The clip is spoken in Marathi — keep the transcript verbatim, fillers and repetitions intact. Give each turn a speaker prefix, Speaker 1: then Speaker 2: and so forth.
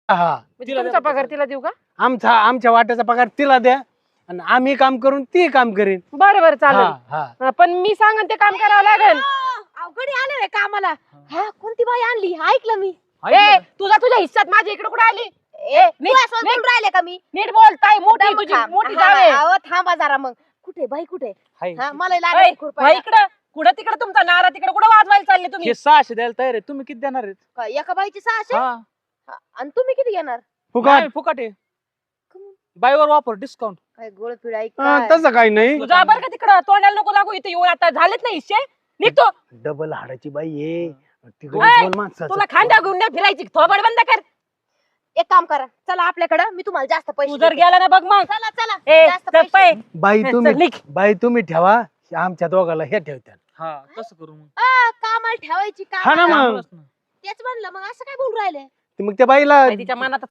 Speaker 1: हा
Speaker 2: म्हणजे तुमचा पगार तिला देऊ का?
Speaker 1: आमचा आमच्या वाट्याचा पगार तिला द्या आणि आम्ही काम करून ती काम करीन.
Speaker 2: बरं बरं
Speaker 1: हा
Speaker 2: चालेल.
Speaker 1: हा
Speaker 2: हा, पण मी सांगन ते काम करावं लागेल.
Speaker 3: अवघडी आलं रे कामाला. हा कोणती बाई आणली ऐकलं मी.
Speaker 2: ए तुझा तुझ्या हिस्सात माझ्या इकडे कुठे आली?
Speaker 3: ए
Speaker 2: नीट-
Speaker 3: तू असं
Speaker 2: नीट-
Speaker 3: बोलून राहिले का मी?
Speaker 2: नीट बोलताय मोठी
Speaker 3: दम
Speaker 2: तुझी
Speaker 3: थांब.
Speaker 2: मोठी
Speaker 3: हा,
Speaker 2: जावे.
Speaker 3: अहो, थांबा जरा मग. कुठे बाई कुठे?
Speaker 4: हाय.
Speaker 3: हा मला
Speaker 2: ऐ,
Speaker 3: लागेल
Speaker 2: वळ
Speaker 3: खुरपायला.
Speaker 2: इकडं कुठं तिकडं तुमचा नारा तिकडे कुठं वाजवायला चालले तुम्ही?
Speaker 4: हे सहाशे द्यायला तयार आहे, तुम्ही किती देणार आहेत?
Speaker 3: काय, एका बाईची सहाशे
Speaker 4: हा
Speaker 3: हा, आणि तुम्ही किती घेणार?
Speaker 1: फुकट
Speaker 4: नाही, फुकट आहे. बायवर वापर डिस्काउंट.
Speaker 3: काय गोळ पिढा
Speaker 1: हा, तसं काही नाही.
Speaker 2: तुझा बरं का तिकडं तोंडाला नको लागू इथे येऊन आता झालेच नाही हिस्से निघतो.
Speaker 1: डबल हाडाची बाई आहे तिकडे
Speaker 2: ओय,
Speaker 1: बोल माणसाचं.
Speaker 2: तुला खांद्या घेऊन नाही फिरायची थोबड बंद कर.
Speaker 3: एक काम करा चला आपल्याकडे मी तुम्हाला जास्त पैसे
Speaker 2: तू जर
Speaker 3: देते.
Speaker 2: गेला ना बघ मग.
Speaker 3: चला चला
Speaker 2: ए
Speaker 3: जास्त
Speaker 2: चल
Speaker 3: पैसे.
Speaker 2: पाय.
Speaker 1: बाई
Speaker 2: चल,
Speaker 1: तुम्ही
Speaker 2: निघ.
Speaker 1: बाई तुम्ही ठेवा आमच्या दोघाला हे ठेवत्या.
Speaker 4: हा कसं करू मग?
Speaker 3: आ, कामाला ठेवायची
Speaker 1: हा ना
Speaker 3: काम
Speaker 1: मग
Speaker 4: कामालाच ना.
Speaker 3: तेच म्हणलं मग असं काय बोलू राहिले
Speaker 1: ते मग त्या बाईला
Speaker 2: तिच्या मनात